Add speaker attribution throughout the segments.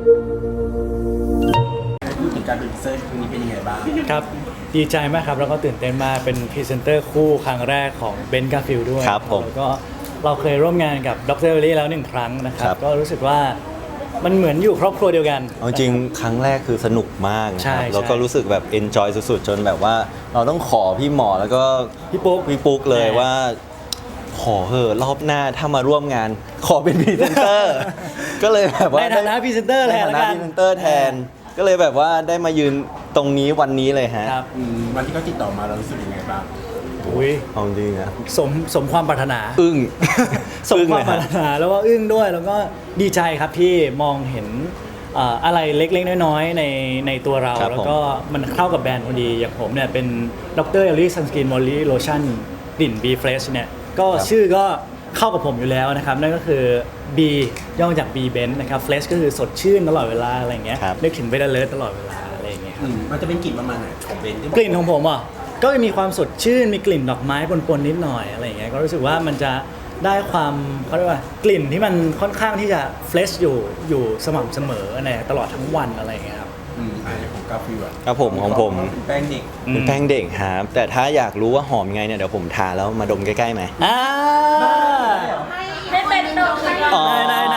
Speaker 1: พูดถึงการเป็นพรีเซนเตอร์ครั้งนี้เป็นยังไงบ้าง
Speaker 2: ครับดีใจมากครับแล้วก็ตื่นเต้นมากเป็นพรีเซนเตอร์คู่ครั้งแรกของเบนซ์กาฟิลด้วย
Speaker 3: ครับผม
Speaker 2: แล้วก็เราเคยร่วมงานกับดรเอลลี่แล้ว1 ครั้งนะครับ
Speaker 3: ครับ
Speaker 2: ก็รู้สึกว่ามันเหมือนอยู่ครอบครัวเดียวกัน
Speaker 3: เอาจริงครั้งแรกคือสนุกมากนะ
Speaker 2: ใช่
Speaker 3: ครับ
Speaker 2: ใช่
Speaker 3: แล้วก็รู้สึกแบบ enjoy สุดๆ จนแบบว่าเราต้องขอพี่หมอแล้วก็
Speaker 2: พี่ปุ๊ก
Speaker 3: เลย
Speaker 2: ใช่
Speaker 3: ว่า ขอเหอะรอบหน้าถ้ามาร่วมงาน ขอเป็นพรีเซนเตอร์ ก็เลยแบบว่า
Speaker 2: ในฐานะพรีเซนเตอร์แทน
Speaker 3: ใน
Speaker 2: ละ
Speaker 3: ฐานะ
Speaker 2: กั
Speaker 3: พ
Speaker 2: น
Speaker 3: รีเซนเตอร์แทน ก็เลยแบบว่าได้มายืนตรงนี้วันนี้เลยฮะ
Speaker 2: ครับ
Speaker 1: วันที่เขาติดต่อมาเรารู้สึกยังไงบ้าง
Speaker 2: อุ้ย
Speaker 3: เอาจริงนะ
Speaker 2: สมความปรารถนา
Speaker 3: อึ้ง
Speaker 2: สม
Speaker 3: อึ้ง
Speaker 2: ควา
Speaker 3: เล
Speaker 2: ม
Speaker 3: ย
Speaker 2: ปรา
Speaker 3: ฮะ
Speaker 2: รถนาแล้วก็อึ้งด้วยแล้วก็ดีใจครับที่มองเห็นอะไรเล็กๆน้อยๆในตัวเรา
Speaker 3: ครับ
Speaker 2: แล้วก็มันเข้ากับแบรนด์พอดีอย่างผมเนี่ยเป็นดรเอลลี่ซันสกินมอลลี่โลชั่นกลิ่น B Fresh เนี่ยก็ชื่อก็เข้ากับผมอยู่แล้วนะครับนั่นก็คือ B ย่อมาจาก B Benz นะครับ Fresh ก็คือสดชื่นตลอดเวลาอะไรอย่างเงี้ย
Speaker 3: ครับ
Speaker 2: นึกถึงเบนเลิศตลอดเวลาอะไรอย่างเงี้ย
Speaker 1: มันจะเป็นกลิ่นประมาณไหนของเบนซ์ที่
Speaker 2: กลิ่นของผมอ่ะก็จะมีความสดชื่นมีกลิ่นดอกไม้ปนๆนิดหน่อยอะไรอย่างเงี้ยก็รู้สึกว่ามันจะได้ความเขาเรียกว่ากลิ่นที่มันค่อนข้างที่จะเฟรชอยู่สม่ำเสมอในตลอดทั้งวันอะไรอย่างเงี้ยครับ
Speaker 1: อันนี้ของกาฟิวอะ
Speaker 3: ครับผมของผม
Speaker 1: เป็นแป้งเด็ก
Speaker 3: เป็นแป้งเด็กครับแต่ถ้าอยากรู้ว่าหอมยังไงเนี่ยเดี๋ยวผมทาแล้วมาดมใกล้ๆไหม
Speaker 2: อ่า
Speaker 4: ไม่เป็นดอกไม้
Speaker 3: อ๋อ
Speaker 2: นาย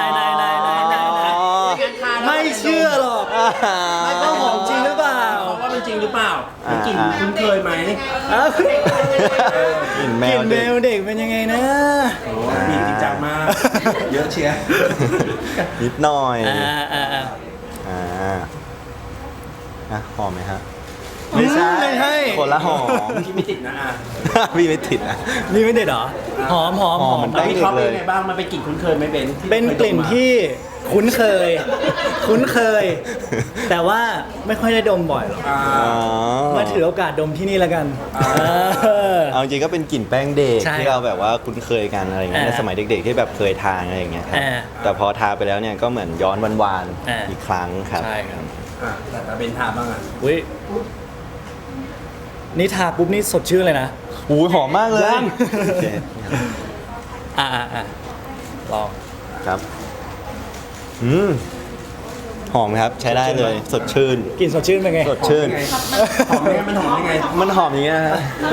Speaker 2: ไม่เชื่อหรอกไม่ก็หอมจริงหรือเปล่า
Speaker 1: เพราะว่ามันจริงหรือเปล่ามันกลิ่นคุ้นเคยไหม
Speaker 2: อ้าว
Speaker 3: กลิ่นแม
Speaker 2: กลิ่
Speaker 3: วน
Speaker 2: แม
Speaker 3: เด็ก
Speaker 2: วเด็กเป็นยังไงนะ
Speaker 1: โอ้มีจริงจังมาก เยอะเชียร์
Speaker 3: นิดหน่อย
Speaker 2: อ่า
Speaker 3: อ่ะหอมไหมฮะ
Speaker 2: ไม่ใช่
Speaker 3: คนละหอม
Speaker 1: ที่ไม่ติดนะอ่ะ
Speaker 3: พี่ไม่ติดนะ
Speaker 2: นี่ไม่เด็ดเหรอหอม
Speaker 3: หอมเหมือนแป้ง
Speaker 1: พี่เขาเป็นยังไงบ้างมันเป็นกลิ่นคุ้นเคยไหมเบนซ์ที่
Speaker 2: เป็นกลิ่นที่คุ้นเคย แต่ว่าไม่ค่อยได้ดมบ่อยหรอก
Speaker 1: อ่า
Speaker 2: มาถือโอกาสดมที่นี่แล้วกัน
Speaker 3: เอาจริงก็เป็นกลิ่นแป้งเด็ก
Speaker 2: ใช่
Speaker 3: ที่เราแบบว่าคุ้นเคยกันอะไรอย่างเงี้ยในสมัยเด็กๆที่แบบเคยทานอะไรอย่างเงี้ยครับ แต่พอทาไปแล้วเนี่ยก็เหมือนย้อนวานๆอีกครั้งครับ
Speaker 2: ใช่ครับ
Speaker 1: แต่เบนซ์ทาบ้างอ่ะ
Speaker 2: อุ้ยนี่ทาปุ๊บนี่สดชื่นเลยนะ
Speaker 3: หูหอมมากเลย
Speaker 2: ยัง
Speaker 3: โอเค
Speaker 2: อ่าลอง
Speaker 3: ครับหอมครับใช้ได้เลยสดชื่น
Speaker 2: กลิ่นสดชื่นเป็นไง
Speaker 3: สดชื่น
Speaker 1: หอมยังไงมันหอมยังไง
Speaker 3: มันหอมอย่างเงี้ยฮะ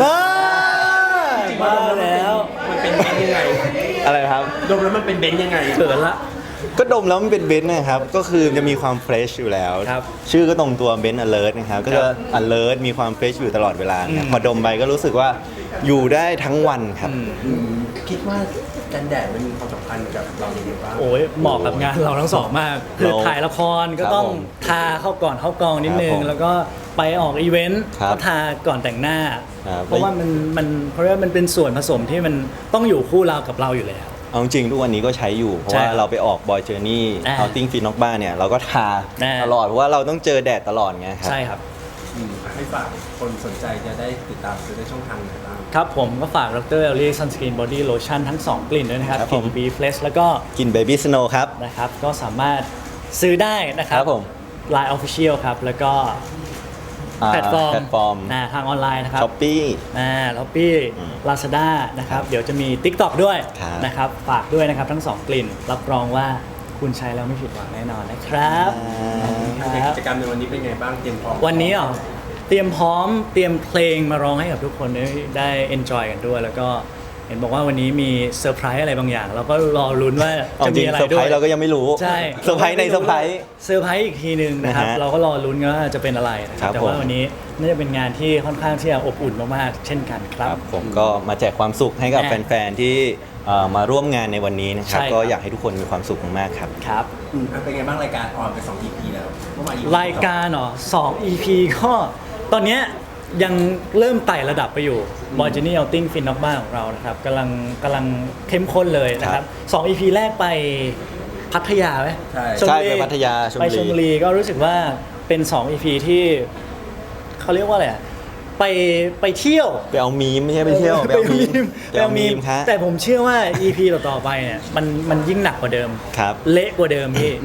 Speaker 2: มาแล้ว
Speaker 1: มันเป็นเบนซ์ยังไง
Speaker 3: อะไรครับ
Speaker 1: ดมแล้วมันเป็นเบนซ์ยังไง
Speaker 2: เขินละ
Speaker 3: ก็ดมแล้วมันเป็นเบนซ์นะครับ ก็คือจะมีความเฟรชอยู่แล้ว
Speaker 2: ครับ
Speaker 3: ชื่อก็ตรงตัวเบนซ์ alert นะครับ ก็จะ alert มีความเฟรชอยู่ตลอดเวลานะครับพอดมไปก็รู้สึกว่าอยู่ได้ทั้งวันครับ
Speaker 1: คิดว่ากันแดดมันมีความสำคัญกับเราอย่างไรบ้าง
Speaker 2: โอ้ยเหมาะกับงานเราทั้งสองมาก คือถ่ายละครก็ต้อง
Speaker 3: ครับผม
Speaker 2: ทาเข้าก่อนเข้ากองนิดนึ
Speaker 3: ครั
Speaker 2: ง
Speaker 3: บผม
Speaker 2: แล้วก็ไปออกอีเวนต์
Speaker 3: ครับ
Speaker 2: ก็ทาก่อนแต่งหน้า
Speaker 3: ครับ
Speaker 2: เพราะว่ามันเพราะว่ามันเป็นส่วนผสมที่มันต้องอยู่คู่เรากับเราอยู่แล้ว
Speaker 3: เอาจริงๆทุกวันนี้ก็ใช้อยู่ เพราะ
Speaker 2: ใช่
Speaker 3: ว่าเราไปออกบอยเจอร์นี่ เอาติ้งฟีนอกบ้านเนี่ยเราก็ทา
Speaker 2: อ่า
Speaker 3: ตลอดเพราะว่าเราต้องเจอแดดตลอดไงครับ
Speaker 2: ใช่ครับ
Speaker 1: ให้ฝากคนสนใจจะได้ติดตามซื้อได้ช่องทางไหนบ้าง
Speaker 2: ครับผมก็ฝากดรเอลลี่ซันสกินบอดี้โลชั่นทั้ง 2 กลิ่นด้วยนะครับ
Speaker 3: ครับ
Speaker 2: ก
Speaker 3: ผ
Speaker 2: ลิ่
Speaker 3: ม
Speaker 2: น B Fresh แล้วก็
Speaker 3: กินเบบี้สโนว์ครับ
Speaker 2: นะครับก็สามารถซื้อได้นะครั
Speaker 3: ครับ บผม
Speaker 2: Line Official ครับ แล้วก็แพลตฟอร์มทางออนไลน์นะครับ
Speaker 3: ช้อปปี้
Speaker 2: ล็อบบี้ลาซาด้านะครับ เดี๋ยวจะมี TikTok ด้วย
Speaker 3: ครับ
Speaker 2: นะครับ ฝากด้วยนะครับทั้ง 2 กลิ่น รับรองว่าคุณใช้แล้วไม่ผิดหวังแน่นอนนะครับ
Speaker 1: กิจกรรมในวันนี้เป็นไงบ้างเตรียมพร้อม
Speaker 2: วันนี้เตรียมพร้อมเตรียมเพลงมาร้องให้กับทุกคนได้ enjoy กันด้วย แล้วก็เห็นบอกว่าวันนี้มีเซอร์ไพรส์อะไรบางอย่าง เราก็รอลุ้นว่า
Speaker 3: เอา
Speaker 2: จะ
Speaker 3: จริ
Speaker 2: มี
Speaker 3: ง
Speaker 2: อะไร
Speaker 3: เซอร์ไพ
Speaker 2: ด้
Speaker 3: ร
Speaker 2: วย
Speaker 3: ส์เราก็ยังไม่รู้
Speaker 2: ใช่
Speaker 3: เซอร์ไพรส์ในเซอร์ไพรส์
Speaker 2: เซอร์ไพรส์อีกทีหนึ่งนะครับ
Speaker 3: นะฮะ
Speaker 2: เราก็รอลุ้นกันว่าจะเป็นอะไรนะค
Speaker 3: ครั
Speaker 2: รับบ แต่ว่า
Speaker 3: ผม
Speaker 2: วันนี้น่าจะเป็นงานที่ค่อนข้างที่จะอบอุ่นมากๆเช่นกันค
Speaker 3: ค
Speaker 2: รั
Speaker 3: รับ บผมก็มาแจกความสุขให้กับแฟนๆที่มาร่วมงานในวันนี้นะครับ
Speaker 2: ใช่ครับ
Speaker 3: ก็อยากให้ทุกคนมีความสุขมากๆครับ
Speaker 2: ครับ
Speaker 1: เป็นไงบ้างรายการออนไป2 EP แล้วเมื่อวาน EP
Speaker 2: รายการ2 EP ก็ตอนเนี้ยยังเริ่มไต่ระดับไปอยู่ b o y Journey Outing Fin นอกบ้านของเรานะครับกำลังเข้มข้นเลยนะครับ2 EP แรกไปพัทยาไหม
Speaker 1: ใช่
Speaker 2: ชลบุรี
Speaker 3: ใช่ไปพัทยาชลบุรี
Speaker 2: ไปชลบุรีก็รู้สึกว่าเป็น2 EP ที่เขาเรียกว่าอะไรอะไปเที่ยว
Speaker 3: ไปเอามีมไม่ใช่ไปเที่ยวไปเอามีม
Speaker 2: ไปเอามีม
Speaker 3: ครับ
Speaker 2: แต่ผมเชื่อว่า EP ต่อๆไปเนี่ยมันยิ่งหนักกว่าเดิม
Speaker 3: ครับ
Speaker 2: เละกว่าเดิมพี่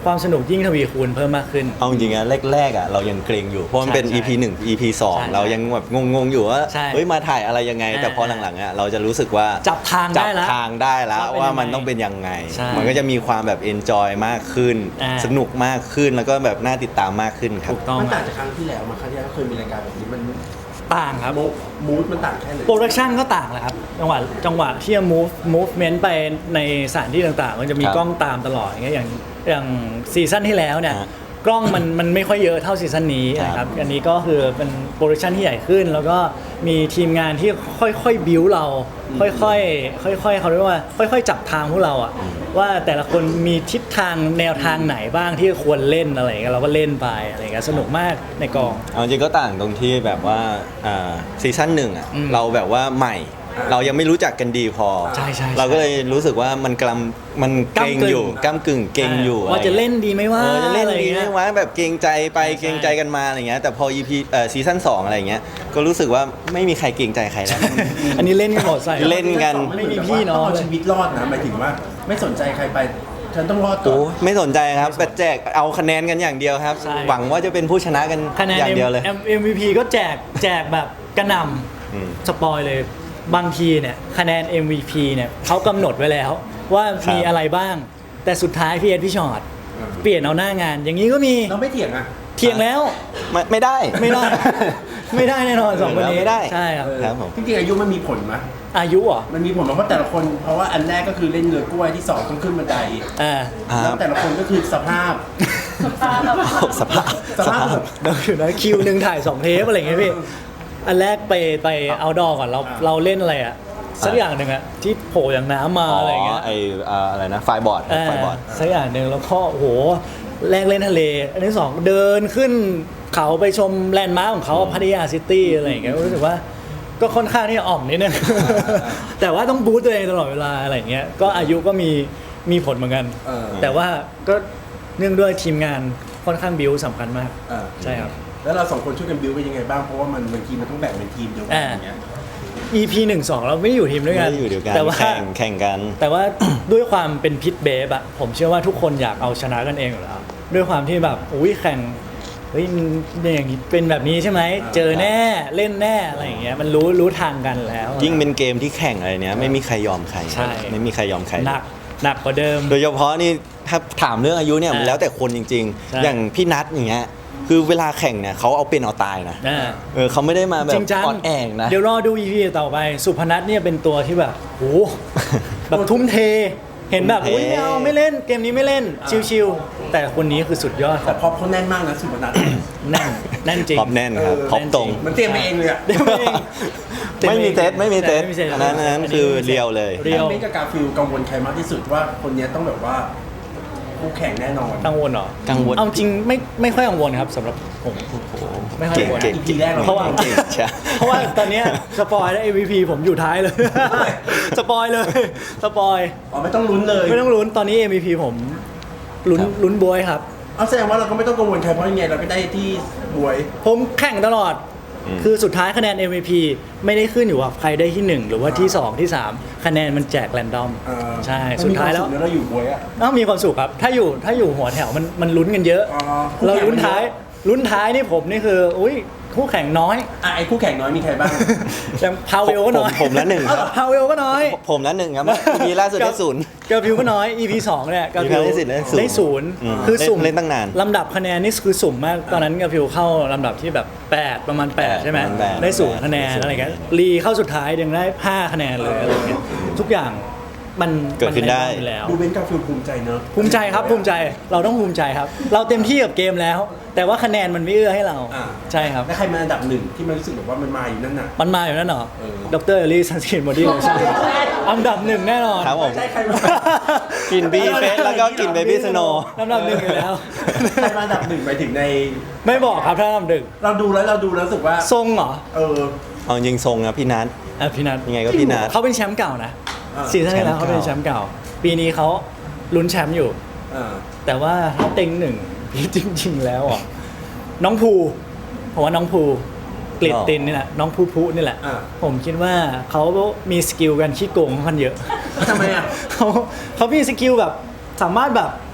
Speaker 2: ความสนุกยิ่งทวีคูณเพิ่มมากขึ้น
Speaker 3: เอาจริงๆอะแรกๆอะเรายังเกรงอยู่เพราะมันเป็น
Speaker 2: ใช่
Speaker 3: EP 1 EP
Speaker 2: ใช่
Speaker 3: 2เรายังแบบงงๆอยู่ว่า
Speaker 2: ใช่
Speaker 3: เฮ้ยมาถ่ายอะไรยังไง แต่พอหลังๆอะเราจะรู้สึกว่า
Speaker 2: จับทางได้แล้ว
Speaker 3: จับทางได้แล้ว
Speaker 2: ว่าเป็น
Speaker 3: ว่ามัน
Speaker 2: ยังไง
Speaker 3: ต้องเป็นยังไง
Speaker 2: ใช่
Speaker 3: มันก็จะมีความแบบ enjoy มากขึ้น สนุกมากขึ้นแล้วก็แบบน่าติดตามมากขึ้นครับ
Speaker 2: ถูกต้อง
Speaker 1: มันต่างจากครั้งที่แล้วมาครั้งที่แล้วเคยมีรายการแบบนี้มัน
Speaker 2: ต่างครับ
Speaker 1: มูดมันต่างแค่ไหน
Speaker 2: โปรดักชันก็ต่างแหละครับจังหวะที่จะ movement ไปในสถานที่ต่างๆมันจะมี
Speaker 3: ครับ
Speaker 2: กล้องตามตลอดอย่างซีซั่นที่แล้วเนี่ย
Speaker 3: ฮะ
Speaker 2: กล้องมันไม่ค่อยเยอะเท่าซีซั่นนี้นะค
Speaker 3: ครั
Speaker 2: รับบ อันนี้ก็คือเป็นโปรดักชันที่ใหญ่ขึ้น แล้วก็มีทีมงานที่ค่อยๆบิวเราค่อยๆเขาเรียกว่าค่อยๆจับทางพวกเราอะว่าแต่ละคนมีทิศทางแนวทางไหนบ้างที่ควรเล่นอะไรอย่างเงี้ยเราก็เล่นไปอะไรอย่างเงี้ยสนุกมากในกอง
Speaker 3: เอาจริงก็ต่างตรงที่แบบว่าซีซั่นหนึ่งอ่ะ
Speaker 2: อืม
Speaker 3: เราแบบว่าใหม่ เรายังไม่รู้จักกันดีพอ
Speaker 2: ใช่
Speaker 3: เราก็เลยรู้สึกว่ามันมันเกรงอยู่ก้ากึ่งเกรงอยู่
Speaker 2: ว่าจะเล่นดีไหมว่า
Speaker 3: จะเล่น
Speaker 2: อะไร
Speaker 3: ดี
Speaker 2: อย่าง
Speaker 3: ไหม
Speaker 2: เงี้ย
Speaker 3: วะแบบเกรงใจไป
Speaker 2: ใช่
Speaker 3: เกรงใจกันมาอะไรเงี้ยแต่พอ EP ซีซั่น2อะไรเงี้ยก็รู้สึกว่าไม่มีใครเกรงใจใครแล้ว
Speaker 2: อันนี้เล่นกันหมดใส่
Speaker 3: เล่นกัน
Speaker 2: ไม่มีพี่น้อง
Speaker 1: ต้องเอา
Speaker 2: เลย
Speaker 1: ชีวิตรอดนะหมายถึงว่าไม่สนใจใครไปฉันต้องรอดก่อ
Speaker 3: โอ้
Speaker 1: น
Speaker 3: ไม่สนใจครับแต่แจกเอาคะแนนกันอย่างเดียวครับ
Speaker 2: ใช่
Speaker 3: หวังว่าจะเป็นผู้ชนะกัน
Speaker 2: คะแนน
Speaker 3: อย่างเดียวเลย
Speaker 2: MVP ก็แจกแบบกระหน
Speaker 3: อืม
Speaker 2: ำสปอยเลยบางทีเนี่ยคะแนน MVP เนี่ยเขากำหนดไว้แล้ว ว่า
Speaker 3: ครับ
Speaker 2: มีอะไรบ้าง แต่สุดท้ายพี่เอ็ดพี่ชอตเปลี่ยนเอาหน้างาน อย่างนี้ก็มี
Speaker 1: เราไม่เถียงอ่ะ
Speaker 2: เทียงแล้ว
Speaker 3: ไม่ได้
Speaker 2: ไม่ได้ ไม่ได้แน่นอนสองคนนี้
Speaker 3: ไม่ได้
Speaker 2: ใช่ครับ
Speaker 1: เออ
Speaker 3: ครับผม
Speaker 1: จริงๆอายุมันมีผลไหม
Speaker 2: อายุเหรอ
Speaker 1: มันมีผลไหมเพราะแต่ละคนเพราะว่าอันแรกก็คือเล่นเรือกล้วยที่สองต้องขึ้นบันได
Speaker 2: อ่า
Speaker 1: แล้วแต่ละคนก็คือสภาพ
Speaker 3: สภาพ
Speaker 1: สภาพแบบ
Speaker 2: เดี๋ยวอยู่นะคิวหนึ่งถ่าย2 เทปอะไรอย่างเงี้ยพี่ อันแรกไปเอาดอก่อนเราเล่นอะไรอะสักอย่างหนึ่งอะที่โผล่อย่างน้ำมาอะไรอย่างเงี้ย
Speaker 3: ไออะไรนะไฟบอร์ดไฟบอร์ด
Speaker 2: สักอย่างหนึ่งแล้วก็โอ้โหแรกเล่นทะเล อันที่สองเดินขึ้นเขาไปชมแลนด์มาร์คของเขาพัทยาซิตี้อะไรอย่างเงี้ยรู้สึกว่าก็ค่อนข้างที่จะอ่อมนิดนึง แต่ว่าต้องบูสต์ตัวเองตลอดเวลาอะไรอย่างเงี้ยก็อายุก็มีผลเหมือนกัน
Speaker 1: เออ
Speaker 2: แต่ว่าก็เนื่องด้วยทีมงานค่อนข้างบิวสำคัญมาก
Speaker 1: เออ
Speaker 2: ใช่ครับ
Speaker 1: แล้วเราสองคนช่วยกันบิวเป็นยังไงบ้างเพราะว่ามันบางทีมันต้องแบ่งเป็นทีมเดียวกันอย่างเงี้ย
Speaker 2: EP 1-2 เราไม่ได้อยู่ทีมด้วยกัน
Speaker 3: ไม่ได้อยู่เดียวกัน
Speaker 2: แต่ว่า
Speaker 3: แข่งกัน
Speaker 2: แต่ว่าด้วยความเป็นพิษเบฟอะผมเชื่อว่าทุกคนอยากเอาชนะกันเองอยู่แล้วด้วยความที่แบบอุ้ยแข่งเฮ้ยมันอย่างนี้เป็นแบบนี้ใช่ไหมเจอแน่เล่นแน่อะไรอย่างเงี้ยมันรู้ทางกันแล้ว
Speaker 3: ยิ่งเป็นเกมที่แข่งอะไรเนี้ยไม่มีใครยอมใคร
Speaker 2: ใช่
Speaker 3: ไม่มีใครยอมใคร
Speaker 2: หนักกว่าเดิม
Speaker 3: โดยเฉพาะนี่ถ้าถามเรื่องอายุเนี่ยมัน
Speaker 2: อ่า
Speaker 3: แล้วแต่คนจริง
Speaker 2: ใช่
Speaker 3: ๆ อย่างพี่นัทอย่างเงี้ยคือเวลาแข่งเนี่ยเขาเอาเป็นเอาตายนะ
Speaker 2: อ่า
Speaker 3: เขาไม่ได้มาแบ
Speaker 2: จ
Speaker 3: บ
Speaker 2: ริงจัง
Speaker 3: ออดแองนะ
Speaker 2: เดี๋ยวรอดู EP ต่อไปสุพนัทเนี่ยเป็นตัวที่แบบโหแบบทุ่มเท เห็นแบบ
Speaker 3: ทุ่มเท
Speaker 2: อุ้ยไม่เอาไม่เล่นเกมนี้ไม่เล่นชิวๆแต่คนนี้คือสุดยอด
Speaker 1: แต่พอเขาแน่นมากนะสุพนัท
Speaker 2: แน่นจริง
Speaker 3: ท็อปแน่นครับ
Speaker 1: เออ
Speaker 3: ท็อปตรง
Speaker 1: มันเตรียมมาเองเลยอะ
Speaker 2: เดี๋ยวเอง
Speaker 3: ไม่มีเซตไม่มีเซต
Speaker 2: ไม่มีเซต
Speaker 3: อันนั้นคือเรียวเลย
Speaker 2: เรียว
Speaker 1: เบนกับกาฟิลกังวลใครมากที่สุดว่าคนเนี้ยต้องแบบว่าคู่แข่งแน่นอน
Speaker 2: กังวลเหรอ
Speaker 3: กังวล
Speaker 2: เอาจริงไม่ค่อยกังวลครับสำหรับผมไม่ค่อยกังวล
Speaker 3: เก่ง
Speaker 1: EP แรกเรา
Speaker 2: เพราะว่า
Speaker 3: เก่งใช่
Speaker 2: เพราะว่าตอนเนี้ยสปอยแล้ว MVP ผมอยู่ท้ายเลย สปอยเลยสปอย
Speaker 1: อ๋อไม่ต้องลุ้นเลย
Speaker 2: ไม่ต้องลุ้นตอนนี้ MVP ผมลุ้นบวยครับ
Speaker 1: เอาแสดงว่าเราก็ไม่ต้องกังวลใครเพราะยังไงเราก็ได้ที่บวย
Speaker 2: ผมแข่งตลอด คือสุดท้ายคะแนน MVP ไม่ได้ขึ้นอยู่ว่าใครได้ที่ 1 หรือว่าที่ 2 ที่ 3 คะแนนมันแจกแรนดอม
Speaker 1: เออ
Speaker 2: ใช่ สุดท้ายแล้ว
Speaker 1: มันมีคมสุขนะเราอยู่บวยอะ
Speaker 2: มีความสุขครับ ถ้าอยู่หัวแถวมันลุ้นกันเยอะ
Speaker 1: อ๋อ
Speaker 2: เราลุ้นท้ายนี่ผมนี่คืออุ้ยคู่แข่งน้อย
Speaker 1: อ่ะไอ้คู่แข่งน้อยมีใครบ้าง
Speaker 2: อย่างพาวเวลก็น้อย
Speaker 3: ผมละหนึ่ง
Speaker 2: พาวเวลก็น้อย
Speaker 3: ผมละหนึ่งครับมีล่าสุดได้ศูนย์
Speaker 2: เกอร์พิวก็น้อย EP 2เนี่ยเกอร์พิว
Speaker 3: ได้ศูนย์
Speaker 2: ได้ศูนย์
Speaker 3: อืม
Speaker 2: คือสุ่ม
Speaker 3: เล่นตั้งนาน
Speaker 2: ลำดับคะแนนนี่คือสุ่มมาก ตอนนั้นเกอร์พิวเข้าลำดับที่แบบ 8 ประมาณ 8 ใช่ไหม
Speaker 3: ประมาณ8
Speaker 2: ได้ศูนย์คะแนนอะไรเงี้ยรีเข้าสุดท้ายยังได้5คะแนนเลยอะไรเงี้ยทุกอย่างมัน
Speaker 3: เกิดขึ้นได้
Speaker 2: มัอยู่แล้ว
Speaker 1: ดูเบนกับฟิลภูมิใจเนอะ
Speaker 2: ภูมิใจครับภูมิใจเราต้องภูมิใจครับ เราเต็มที่กับเกมแล้ว แต่ว่าคะแนนมันไม่เอื้อให้เรา
Speaker 1: อ่า
Speaker 2: ใช่ครับ
Speaker 1: แล้วใครมาอันดับหนึ่งที่มันรู้สึกแบบว่ามันมาอยู่นั่นน่ะ
Speaker 2: มันมาอยู่นั่นเหรอ
Speaker 1: เออ
Speaker 2: ดรเอลลี่ซันสกินบอดี้โลชั่นอันดับหนึ่งแน่นอน
Speaker 3: ครับผม
Speaker 1: ใช่ใครมา
Speaker 3: กินบีเฟสแล้วก็กินเบบี้สโน
Speaker 2: อันดับหนึ่งอยู่แล้ว
Speaker 1: ใครมาอันดับหนึ่งไปถึงใน
Speaker 2: ไม่บอกครับถ้าอันดับหนึ่ง
Speaker 1: เราดูแล้วรู้สึกว่า
Speaker 2: ทรงเหรอ
Speaker 1: เออ
Speaker 3: เอาจริงทรงนะพี่นัท
Speaker 2: พี่นัท
Speaker 3: ยังไงก็พี่นัท
Speaker 2: เขาเป็นแชมป์เก่านะ
Speaker 1: อ่า
Speaker 2: ซีซั่นที่แล้วเขาเป็นแชมป์เก่า ปีนี้เขาลุ้นแชมป์อยู่
Speaker 1: เออ
Speaker 2: แต่ว่าถ้าเต็งหนึ่ง จริง ๆ แล้วอ่ะน้องภูผมว่าน้องภูกลิดตินนี่แหละน้องภูนี่แหละ
Speaker 1: อ่า
Speaker 2: ผมคิดว่าเขามีสกิลการขี้โกงค่อนข้างเยอะ
Speaker 1: ทำไมอ่ะ
Speaker 2: เขามีสกิลแบบสามารถแบบ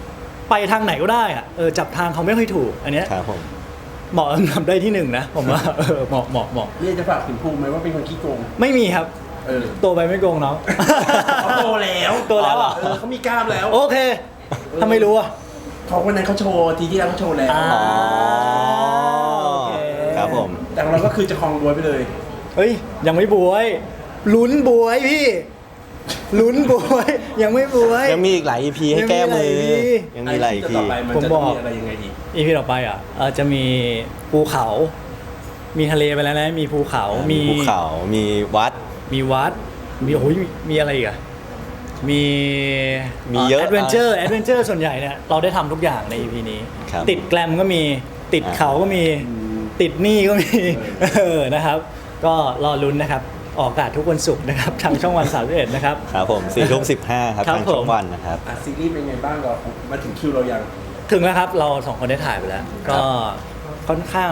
Speaker 2: ไปทางไหนก็ได้อะจับทางเขาไม่ค่อยถูกอันเนี้ย
Speaker 3: ครับผม
Speaker 2: เหมาะทำได้ที่หนึ่งนะผมว่าเหมาะ
Speaker 1: นี่จะฝากถึงภูมิไหมว่าเป็นคนขี้โกง
Speaker 2: ไม่มีครับ โตไปไม่โกงน้อง
Speaker 1: เขาโตแล้ว
Speaker 2: โตแล้วเหรอ
Speaker 1: เขามีกล้ามแล้ว
Speaker 2: โอเคทำไมรู้อ่ะ
Speaker 1: เขาวันนั้นเขาโชว์ทีที่แล้วเขาโชว์แล้ว
Speaker 2: โอเค
Speaker 3: ครับผม
Speaker 1: แต่ของเราก็คือจะคลองบวยไปเลย
Speaker 2: เฮ้ยยังไม่บวยลุ้นบวยพี่ลุ้นบวยยังไม่บวย
Speaker 3: ยังมีอีกหลาย EP ให้แก้มือ
Speaker 2: ยั
Speaker 3: ยัง
Speaker 2: งมี
Speaker 3: มีหลาย
Speaker 1: ที่
Speaker 3: EP
Speaker 1: ต่อไปมัน
Speaker 2: ผม
Speaker 1: จะ
Speaker 2: บอก
Speaker 1: มีอะไรยังไงอีก
Speaker 2: อีพีต่อไปจะมีภูเขา มีทะเลไปแล้วนะมีภูเขา มี
Speaker 3: ภูเขามีวัด
Speaker 2: มีวัดมีโอ้ยมีอะไรอีกอะมี
Speaker 3: มีเยอะ
Speaker 2: แอดเวนเจอร์ส่วนใหญ่เนี่ยเราได้ทำทุกอย่างใน EP นี้
Speaker 3: ครับ
Speaker 2: ติดแกลมก็มีติดเขาก็มีติดหนี้ก็มีนะครับ ก็รอลุ้นนะครับ ออกอากาศทุกวันศุกร์นะครับ ทางช่องวัน31นะครับ
Speaker 3: ครับผม4:15ครับ
Speaker 2: ครับ
Speaker 3: ทางช่อ
Speaker 2: ผ
Speaker 3: ง
Speaker 2: ม
Speaker 3: วันนะครับ
Speaker 1: ซีรีส์เป็นไงบ้างเรามาถึงคิวเรายัง
Speaker 2: ถึงแล้วครับเราสองคนได้ถ่ายไปแล้ว ก็ค่อนข้าง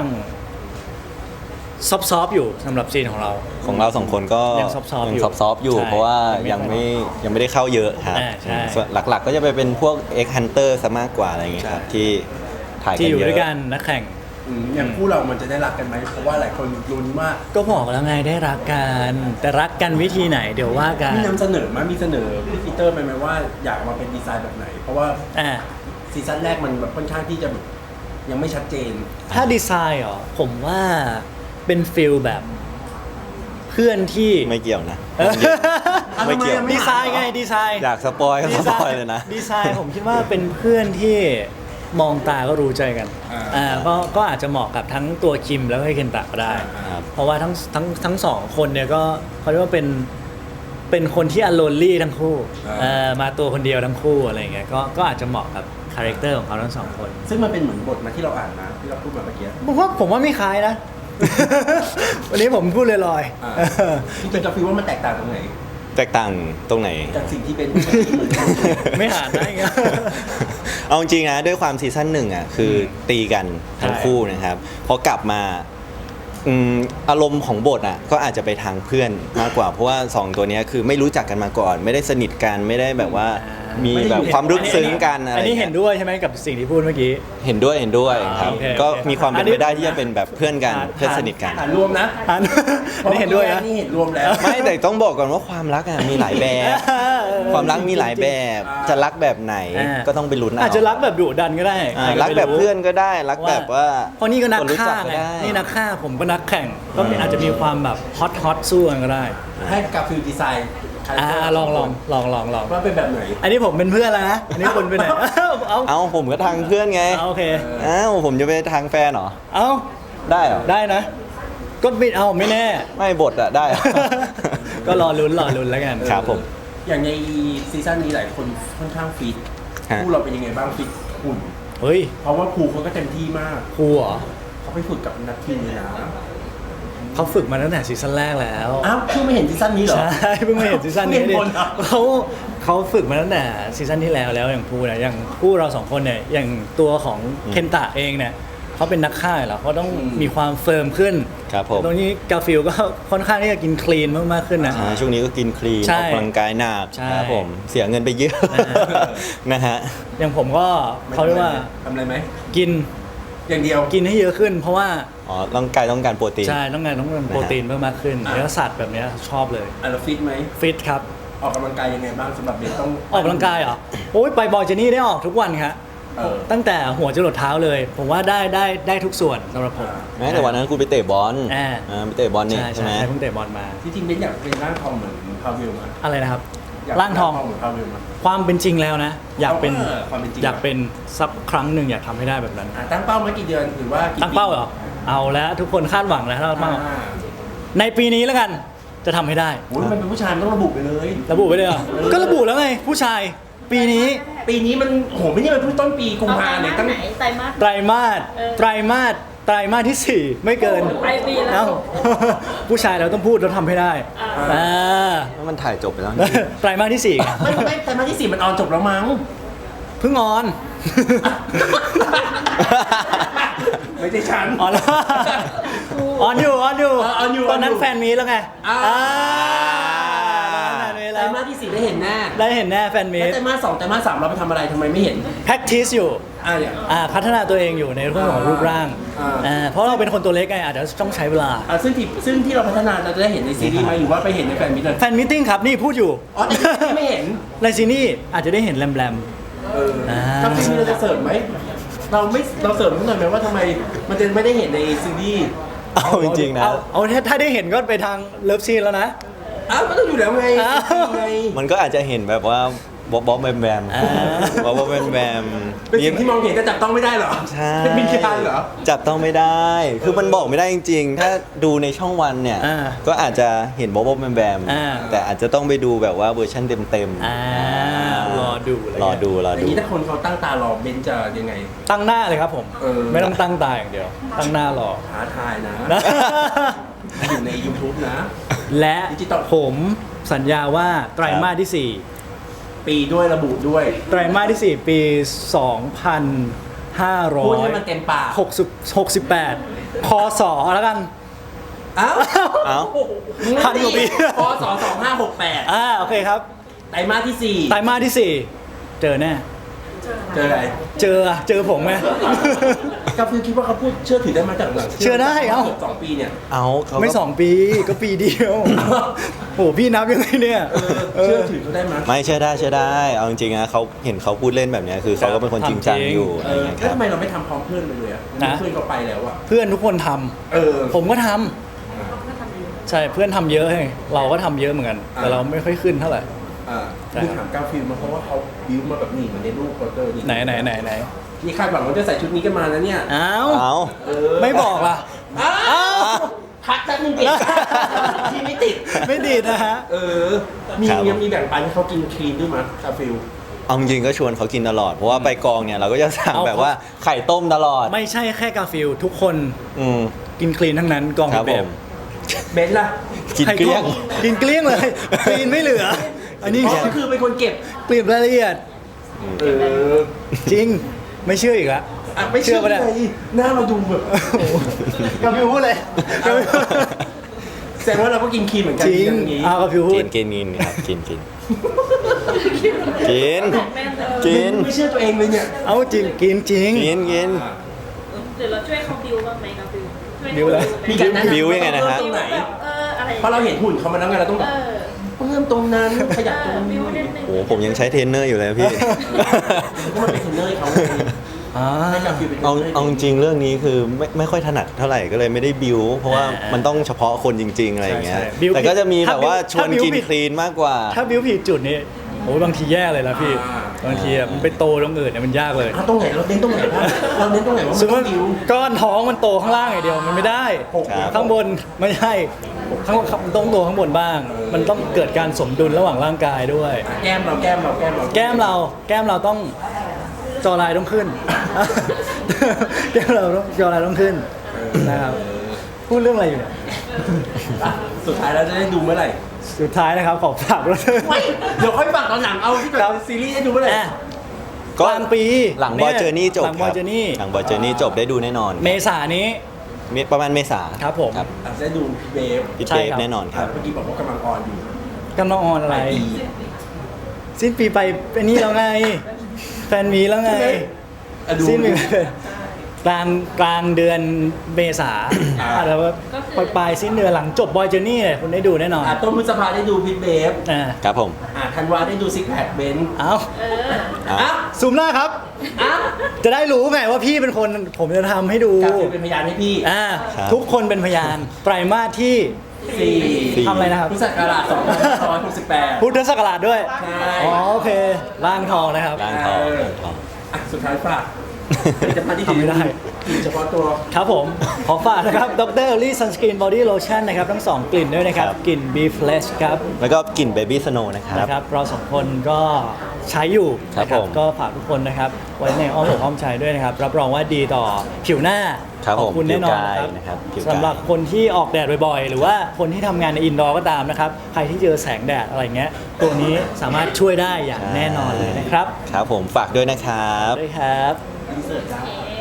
Speaker 2: ซอฟๆอยู่สำหรับซีนของเรา
Speaker 3: ของเราสองคนก็
Speaker 2: ยังซอฟต์ๆอยู่
Speaker 3: ซอฟต์ๆอยู่
Speaker 2: ใช่
Speaker 3: เพราะว่า
Speaker 2: ยั
Speaker 3: ยัง ง
Speaker 2: ไม่
Speaker 3: ไม่ได้เข้าเยอะครับ
Speaker 2: ใช่
Speaker 3: ส่วนหลักๆก็จะไปเป็นพวก X Hunter ซะมากกว่าอะไรอย่างเงี้ยครับ
Speaker 1: ใช่
Speaker 3: ที่ถ่ายกัน
Speaker 2: ที่อยู่
Speaker 3: เย
Speaker 2: ด้วยกั
Speaker 3: อะ
Speaker 2: นนักแข่ง
Speaker 1: อย่างคู่เรามันจะได้รักกันไหมเพราะว่าหลายคนลุ้นว่า
Speaker 2: ก็บอกแล้วไงได้รักกัน แต่รักกันวิธีไหนเดี๋ยวว่ากัน
Speaker 1: มีนำเสนอไหมมีเสนอพี่ปีเตอร์ไปไหมว่าอยากมาเป็นดีไซน์แบบไหน เพราะว่า
Speaker 2: อ่า
Speaker 1: ซีซั่นแรกมันแบบค่อนข้างที่จะแบบยังไม่ชัดเจน
Speaker 2: ถ้าดีไซน์เหรอผมว่าเป็นฟิลแบบเพื่อนที่
Speaker 3: ไม่เกี่ยวนะ
Speaker 2: เออ
Speaker 3: ไม่เกี่ยว
Speaker 2: ดีไซน์ไงดีไซน์
Speaker 3: อยากสปอยก็สปอยเลยนะ
Speaker 2: ดีไซน์ผมคิดว่าเป็นเพื่อนที่มองตาก็รู้ใจกัน ก็อาจจะเหมาะกับทั้งตัวคิมแล้วก็เคนตะก็ได้
Speaker 3: ครับ
Speaker 2: เพราะว่าทั้งสองคนเนี่ยก็เขาเรียกว่าเป็นคนที่อโลนลี่ทั้งคู่มาตัวคนเดียวทั้งคู่อะไรอย่างเงี้ยก็อาจจะเหมาะกับคาแรคเตอร์ของเขาทั้งสองคน
Speaker 1: ซึ่งมันเป็นเหมือนบทมาที่เราอ่านมาที่เราพูดมาเมื่อกี้
Speaker 2: ผมว่าไม่คล้ายนะ วันนี้ผมพูดลอย
Speaker 1: จริงๆกับฟิลว่ามันแตกต่างตรงไหน
Speaker 3: แตกต่างตรงไหน
Speaker 1: จากสิ่งที่เป็น
Speaker 2: ๆ ไม่หานได้ไง
Speaker 3: เอาจริงๆนะด้วยความซีซั่นหนึ่งอ่ะคือตีกันทั้งคู่นะครับพอกลับมาอารมณ์ของบทอ่ะก็อาจจะไปทางเพื่อนมากกว่าเพราะว่า2ตัวเนี้ยคือไม่รู้จักกันมาก่อน ไม่ได้สนิทกันไม่ได้แบบว่ามีแบบความลึกซึ้งกันอะไร
Speaker 2: อันนี้
Speaker 3: เงี้
Speaker 2: เห็น
Speaker 3: ย
Speaker 2: ด้วยใช่ไหมกับสิ่งที่พูดเมื่อกี้
Speaker 3: เห็นด้วยครับ
Speaker 2: โอเค
Speaker 3: ก็
Speaker 2: โอเค
Speaker 3: มีความเป็นไปได้ที่จะเป็นแบบเพื่อนกัน
Speaker 2: อ่า
Speaker 3: เพื่อนสนิทกัน
Speaker 1: อ่านรวมนะ
Speaker 2: อันนี้เห็นด้วยนะ
Speaker 1: นี่เห็นรวมแล้ว
Speaker 3: ไม่แต่ต้องบอกก่อนว่าความรักอ่ะมีหลายแบบ ความรักมีหลายแบบ จะรักแบบไหนก็ต้องไปลุ้นเอา
Speaker 2: อาจจะรักแบบดุดันก็ได้
Speaker 3: รักแบบเพื่อนก็ได้รักแบบว่า
Speaker 2: เพราะนี่ก็นัก
Speaker 3: คนรู้
Speaker 2: ฆ่า
Speaker 3: จั
Speaker 2: ไง
Speaker 3: ก็ได้
Speaker 2: นี่นักฆ่าผมก็นักแข่งก็อาจจะมีความแบบฮอตสู้กันก็ได้
Speaker 1: ให้กับฟิลดีไซน์คาแรคเตอร์
Speaker 2: ลอง
Speaker 1: ว่าเป็นแบบไหน
Speaker 2: อันนี้ผมเป็นเพื่อนแล้วนะอันนี้คนเป็นไหนเอา
Speaker 3: เอาผมก็ทางเพื่อนไง
Speaker 2: โอเค
Speaker 3: เอ้าผมจะไปทางแฟนเหรอ
Speaker 2: เอา
Speaker 3: ได้เหรอ
Speaker 2: ได้นะ ก็ไม่เอาไม่แน่
Speaker 3: ไม่บทอะได้เหรอ
Speaker 2: ก็รอลุ้นแล้วกัน
Speaker 3: ครับผม
Speaker 1: อย่างในซีซั่นนี้หลายคนค่อนข้างฟิต
Speaker 3: ฮะ
Speaker 1: คู่เราเป็นยังไงบ้างฟิตหุ่น
Speaker 2: เฮ้ย
Speaker 1: เพราะว่าครูเขาก็เต็มที่มาก
Speaker 2: ครูเหรอ
Speaker 1: เขาไปฝึกกับนักทีมเลยนะ
Speaker 2: เขาฝึกมาตั้งแต่ซีซั่นแรกแล้ว
Speaker 1: อ้าวเพิ่งไม่เห็นซีซั่นนี้เหรอ
Speaker 2: ใช่เพิ่งมาเห็นซีซั่นนี้
Speaker 1: เพิ่ง
Speaker 2: ดิ
Speaker 1: เห็นผลเหรอ
Speaker 2: เขาฝึกมาตั้งแต่ซีซั่นที่แล้วอย่างพูเนี่ยอย่างคู่เราสองคนเนี่ยอย่างตัวของเคนตะเองเนี่ยเขาเป็นนักฆ่าอยู่แล้วเขาต้องมีความเฟิร์มขึ้น
Speaker 3: ครับผม
Speaker 2: ตรงนี้กาฟิลก็ค่อนข้างที่จะกินคลีนมากๆขึ้นนะ
Speaker 3: ช่วงนี้ก็กินคลีน
Speaker 2: ใช่
Speaker 3: ออกกำลังกายหนัก
Speaker 2: ใช่
Speaker 3: ครับผมเสียเงินไปเยอะ นะฮะ
Speaker 2: อย่างผมก็เขาเรียกว่า
Speaker 1: ทำอะไรไหม
Speaker 2: กิน
Speaker 1: อย่างเดียว
Speaker 2: กินให้เยอะขึ้น เพราะว่า
Speaker 3: อ๋อร่างกายต้องการโปรตีน
Speaker 2: ใช่ต้องการโปรตีนเพิ่มมากขึ้นเนื้อสัตว์แบบเนี้ยชอบเลย
Speaker 1: เราฟิตไหม
Speaker 2: ฟิตครับ
Speaker 1: ออกกำลังกายยังไงบ้างสำหรับเบนต้อง
Speaker 2: ออกกำลังกายเหรอโอ้ยไปบอยเจนี่ได้ออกทุกวันครับ ตั้งแต่หัวจรดเท้าเลย ผมว่าได้ทุกส่วนสำหรับผม
Speaker 3: แม้แต่วันนั้นคุณไปเตะบอล
Speaker 2: อ่า
Speaker 3: ไปเตะบอลนี่
Speaker 2: ใช่
Speaker 3: ใช่ไหม
Speaker 2: เพิ่งเตะบอลมา
Speaker 1: ที่จริงเบนอยากเป็นร่างทองเหมือนพาวิลมา
Speaker 2: อะไรนะครับ
Speaker 1: ยก
Speaker 2: ร่างทอง
Speaker 1: เหมือนพาวิลมา
Speaker 2: ความเป็นจริงแล้วนะ อยากเป็น
Speaker 1: ความเป็นจริง
Speaker 2: อยากเป็นสักครั้งหนึ่งอยากทำให้ได้แบบนั้น
Speaker 1: ตั้งเป้าไว้กี่เดือนหรือว่ากี่
Speaker 2: ตั้งเป้าเหรอเอาแล้วทุกคนคาดหวังแล้วตั้งเป้า
Speaker 1: อ่า
Speaker 2: ในปีนี้แล้วกันจะทำให้ได้
Speaker 1: โอ้ยมันเป็นผู้ชายมันต้องระบุไปเลย
Speaker 2: ระบุไปเลยเหรอก็ระบุแล้วไงผู้ชายปีนี้
Speaker 1: ปีนี้มันโหไม่ใช่มันเพิ่งต้นปีกุม
Speaker 4: เอา
Speaker 1: ภา
Speaker 4: ไตร
Speaker 1: เนี่ย
Speaker 4: มาส
Speaker 1: ตั้ง
Speaker 4: ไหนไตรมาส
Speaker 2: ไตรมาส
Speaker 4: เออ
Speaker 2: ไตรมาสที่ 4 ไม่เกิน
Speaker 4: ปลายปีแล้ว
Speaker 2: เอ้า ผู้ชายเราต้องพูดเราทำให้ได้อ่า
Speaker 3: แล้วมันถ่ายจบไปแล้ว
Speaker 2: ไตรมาสที่4ไง
Speaker 1: ไม่แต่มาที่ 4มันออนจบแล้วมั้ง
Speaker 2: เพิ่งออน
Speaker 1: ไม่ใช่ฉัน
Speaker 2: ออนแล้วออนอยู่
Speaker 1: ออนอยู่
Speaker 2: ตอนนั้นแฟนมีแล้วไง
Speaker 1: อ่า
Speaker 2: แฟนมี
Speaker 1: ไตร
Speaker 2: แล้ว
Speaker 1: มาสที่4ได้เห็นแน่
Speaker 2: ได้เห็นแน่แฟนมี
Speaker 1: แล้ว
Speaker 2: ต
Speaker 1: ไตรมาส2ไตรมาส3เราไปทำอะไรทำไมไม่เห็น
Speaker 2: practice อยู่
Speaker 1: อย่าง
Speaker 2: พัฒนาตัวเองอยู่ในเรื่องของรูปร่าง
Speaker 1: อ่า
Speaker 2: เพราะเราเป็นคนตัวเล็กไงอาจจะต้องใช้เวลา
Speaker 1: ซึ่งที่เราพัฒนาเราจะได้เห็นในซีรีส์ไหมหรือว่าไปเห็นในแฟนมิตรเลย
Speaker 2: แฟนมิทติ้งครับนี่พูดอยู่
Speaker 1: อ๋อแต่ซีรีส์ไม่เห็น
Speaker 2: ในซีนี่อาจจะได้เห็นแรม
Speaker 1: ถ้าซีรีส์เราจะเสิร์ฟไหมเราเสิร์ฟนิดหน่อยไหมว่าทำไมมันจะไม่ได้เห็นในซีรีส์
Speaker 3: เอาจริงๆนะ
Speaker 2: เอาถ้าได้เห็นก็ไปทางเลิฟซีนแล้วนะ
Speaker 1: อ้าวมันต้องอยู่แล้วไง
Speaker 2: อ้าว
Speaker 1: ไง
Speaker 3: มันก็อาจจะเห็นแบบว่าบ๊อบแบมแบม
Speaker 2: อ่า
Speaker 3: บ๊อบแบมแบม
Speaker 1: เป็นสิ่งที่มองเห็นแต่จับต้องไม่ได้เหรอ
Speaker 3: ใช่
Speaker 1: เป็นวิญญาณเหรอ
Speaker 3: จับต้องไม่ได้ คือมันบอกไม่ได้จริงๆ ถ้าดูในช่องวันเนี่ย
Speaker 2: อ่า
Speaker 3: ก็อาจจะเห็นบ๊อบแบมแบม
Speaker 2: อ่า
Speaker 3: แต่อาจจะต้องไปดูแบบว่าเวอร์ชันเต็ม
Speaker 2: รอดูเลย
Speaker 3: รอดู
Speaker 1: อย่างนี้ถ้าคนเขาตั้งตารอเบนจะยังไง
Speaker 2: ตั้งหน้าเลยครับผม
Speaker 3: เออ
Speaker 2: ไม่ต้องตั้งตาอย่างเดียว ตั้งหน้ารอ
Speaker 1: ท้าทายนะ
Speaker 2: นะ
Speaker 1: อยู่ใน YouTube นะ
Speaker 2: และ
Speaker 1: ดิจิตอล
Speaker 2: ผมสัญญาว่าไตรมาสที่
Speaker 1: ปีด้วยระบุด้วย
Speaker 2: 4 ไตรมาสที่ 4 ปี
Speaker 1: พูดให้มันเต็มปาก
Speaker 2: 2568 คศแล้วกัน
Speaker 1: อ้าว
Speaker 3: เอ้า
Speaker 2: พันกว่าปี
Speaker 1: พศ2568
Speaker 2: โอเคครับ
Speaker 1: ไตรมาสที่
Speaker 2: ไตรมาสที่ 4 เจอแน่
Speaker 1: 4 เจออะไร
Speaker 2: เจอผมไหม
Speaker 1: กาฟิลคิดว่าเขาพูดเชื่อถือได้มาจากหลัง
Speaker 2: เชื่อได้เอ้า
Speaker 1: กือบ2 ปีเนี่ย
Speaker 3: เอาเขาก็
Speaker 2: ไม่ 2 ปีก็ปีเดียว โหพี่นับยังไงเนี่ย
Speaker 1: เชื่อถือเขาได้ไหม
Speaker 3: ไม่เชื่อได้เชื่อได้ เอาจริงๆนะเขาเห็นเขาพูดเล่นแบบเนี้ยคือเขาก็เป็นคนจริงจังอยู่อะไรอย่างเงี้ยค
Speaker 1: แล้ว
Speaker 3: รับ
Speaker 1: ทำไมเราไม่ทำพร้อมเพื่อนไปเลยอ่ะ
Speaker 2: นะ
Speaker 1: เพื่อนเขาไปแล้วอ่ะ
Speaker 2: เพื่อนทุกคนทำ
Speaker 1: เออ
Speaker 2: ผมก็ทำใช่เพื่อนทำเยอะให้เราก็ทำเยอะเหมือนกัน แต่เราไม่ค่อยขึ้นเท่าไหร่ ใช่
Speaker 1: คือถามกาฟิลมาเพราะว่าเขาบิวมาแบบนี้เหมือนในรูปโปสเตอร์นี่
Speaker 2: ไหน
Speaker 1: นี่คาดหวังว่าจะใส่ชุดนี้กันมาแล้วเนี่ย
Speaker 2: อ้าว
Speaker 3: เอา
Speaker 2: ไม่บอกล่ะ
Speaker 1: อ้าวพักแป๊บนึงเก็บที่ไม่ติด
Speaker 2: ไม่ดีนะฮะ
Speaker 1: ยังมีแบ่งปันให้เขากินครีมด้วยมั้ยกาฟิล
Speaker 3: เอาจริงๆก็ชวนเขากินตลอด เพราะว่าไปกองเนี่ยเราก็จะสั่ง
Speaker 2: เอา
Speaker 3: แบบว่าไข่ต้มตลอด
Speaker 2: ไม่ใช่แค่กาฟิลทุกคน
Speaker 3: อืม
Speaker 2: กินคลีนทั้งนั้นกอง
Speaker 3: ครับ
Speaker 2: แบ
Speaker 3: ผ
Speaker 2: บ
Speaker 3: ม
Speaker 1: เบนซ์ล่ะ
Speaker 3: กินเกลี้ยง
Speaker 2: กินเกลี้ยงเลยคลีนไม่เหลือ อันนี้
Speaker 1: อ๋อก็คือเป็นคนเก็บ
Speaker 2: เปลี่ยนรายละเอียด จริงไม่เชื่ออีกละ
Speaker 1: ไม่เชื่อ
Speaker 2: ปะ
Speaker 1: เล
Speaker 2: เนี่ย
Speaker 1: ยหน้าเราดูแบบ
Speaker 2: กาฟิลพูดเลยกาฟิลพูด
Speaker 1: แสดงว่าเราก็กินครีมเหมือนกัน
Speaker 2: จริง
Speaker 1: อย่างนี้
Speaker 2: กาฟิลพู
Speaker 3: กิ
Speaker 2: ด
Speaker 3: นครับกินกินกิน
Speaker 1: ไม่เชื่อตัวเองเลยเนี่ย
Speaker 2: เอาจริงกินจริง
Speaker 3: กิน
Speaker 4: เดี๋ยวเราช่วยเขาบิวบ้างไหมกับบิวช่วย
Speaker 2: บิวอะไร
Speaker 1: มีการแนะนำ
Speaker 3: บิวยังไงนะฮะ
Speaker 1: ตรงไหน
Speaker 4: แบบอะไร
Speaker 1: เพราะเราเห็นหุ่นเขามาแล้วไงเราต้องแบบ เพิ่มตรงนั้นขยับตรง
Speaker 4: บิ
Speaker 1: นี้
Speaker 4: วนิดนึง
Speaker 3: โอ้ผมยังใช้เทรนเนอร์อยู่เลยพี่
Speaker 1: ก็มันเป็นเทรนเนอร์ให้เขาให้กาฟิลเป็นเทรนเนอร์
Speaker 3: เอาจริงๆเรื่องนี้คือไม่ค่อยถนัดเท่าไหร่ก็เลยไม่ได้บิวเพราะว่ามันต้องเฉพาะคนจริง ๆอะไรอย่างเงี้ย
Speaker 2: ใช่บิว
Speaker 3: แต่ก็จะมีแบบว่า
Speaker 2: ถ้า
Speaker 3: ชวน
Speaker 2: บิว
Speaker 3: กิน
Speaker 2: ผิด
Speaker 3: คลีนมากกว่า
Speaker 2: ถ้าบิวผิดจุดนี้โอ้ยบางทีแย่เลยนะพี่บางทีอะมันไปโตตรงอื่นเนี่ยมันยากเลย
Speaker 1: ตรงไหนเราเน้นตรงไหนบ้างเราเน้นตรงไหนว่า
Speaker 2: ส
Speaker 1: มัน
Speaker 2: มม
Speaker 1: ต้อ
Speaker 2: ติ
Speaker 1: งบิว
Speaker 2: ก้อนท้องมันโตข้างล่างอย่างเดียวมันไม่ได้
Speaker 3: ครับ
Speaker 2: ข้างบนไม่ใช่มันต้องโตข้างบนบ้าง มันต้องเกิดการสมดุลระหว่างร่างกายด้วย
Speaker 1: แก้มเราแก้ม
Speaker 2: เราต้องจอลายต้องขึ้น แก้มเราต้องจอลายต้องขึ้นนะครับพูดเรื่องอะไรอยู่เนี่ย
Speaker 1: สุดท้ายเราจะได้ดูเมื่อไหร่
Speaker 2: สุดท้ายนะครับขอฝากด้วย
Speaker 1: เดี๋ยวค่อยฝากตอนหนังเอาที่แบบซีรีส์ได้ดูเมื่อไหร่
Speaker 2: กลางปี
Speaker 3: หลังบอยเจอร์นี่จบ
Speaker 2: หลังบอยเจอร์นี่
Speaker 3: หลังบอยเจอร์นี่จบได้ดูแน่นอน
Speaker 2: เมษายนนี้
Speaker 3: ประมาณเมษา
Speaker 2: ครับผม
Speaker 1: ได้ดูพี่เบฟ
Speaker 3: พี่
Speaker 2: ใช่
Speaker 3: เทป
Speaker 2: ครับ
Speaker 3: แน่นอนครับ
Speaker 1: เมื่อกี้บอกว่ากำลังออนอยู่
Speaker 2: กำลังออนอะไร
Speaker 1: ปลายปี
Speaker 2: สิ้นปีไปเป็นนี่แล้วไง แฟนมีแล้วไง
Speaker 1: ดู
Speaker 2: สิ้นปีไปกลางเดือนเมษาอาจจะว่าปลายสิ้นเดือนหลังจบบอยเจอร์นี่เนี่ยคุณได้ดูแน่นอน
Speaker 1: ต้นพฤษภาได้ดูพี่เบฟ
Speaker 3: ครับผม
Speaker 1: ธันวาได้ดูซิกแพคเบนซ์
Speaker 2: เอา
Speaker 3: อ่ะ
Speaker 2: ซูมหน้าครับ จะได้รู้ไงว่าพี่เป็นคนผมจะทำให้ดู
Speaker 1: กาฟิลเป็นพยานให้พี่
Speaker 3: ครับ
Speaker 2: ทุกคนเป็นพยานไตรมาสที่
Speaker 1: 4
Speaker 2: ทำอะไรนะครับ
Speaker 1: พุทธศักราช2568
Speaker 2: พุทธศักราชด้วย
Speaker 1: ใช่
Speaker 2: อ๋อโอเคร่างทองนะครับ
Speaker 3: ร้านทองร้านทอง
Speaker 1: สุดท้ายฝากผลิตภัณฑ์ที่
Speaker 2: ทำไม่ได้
Speaker 1: กลิ่นเฉพาะตัว
Speaker 2: ครับผม ขอฝากนะครับดรลี่ซันสกรีนบอดี้โลชั่นนะครับทั้ง 2 กลิ่นด้วยนะครับ
Speaker 3: ครับ
Speaker 2: กลิ่น Be Fresh ครับ
Speaker 3: แล้วก็กลิ่นเบบี้สโนว์นะครับ
Speaker 2: นะครับ เราสองคนก็ใช้อยู่
Speaker 3: ครับ
Speaker 2: นะ
Speaker 3: ผม
Speaker 2: ก็ฝากทุกคนนะครับ ไว้ในอ้อมอกอ้อมใจด้วยนะครับ รับรองว่าดีต่อผิวหน้า
Speaker 3: ครับ
Speaker 2: ขอบคุณ
Speaker 3: ผม
Speaker 2: แน่นอน
Speaker 3: ผิวกาย
Speaker 2: ครับ
Speaker 3: นะครับผิวกาย
Speaker 2: สำหรับคนที่ออกแดดบ่อยๆ หรือว่าคนที่ทำงานในอินดอร์ก็ตามนะครับ ใครที่เจอแสงแดดอะไรเงี้ยตัวนี้สามารถช่วยได้อย่างแน่นอนเลยนะครับ
Speaker 3: ครับผมฝากด้วยนะครับ
Speaker 2: ด้วยครับ
Speaker 1: อินเสิร์ตจ้า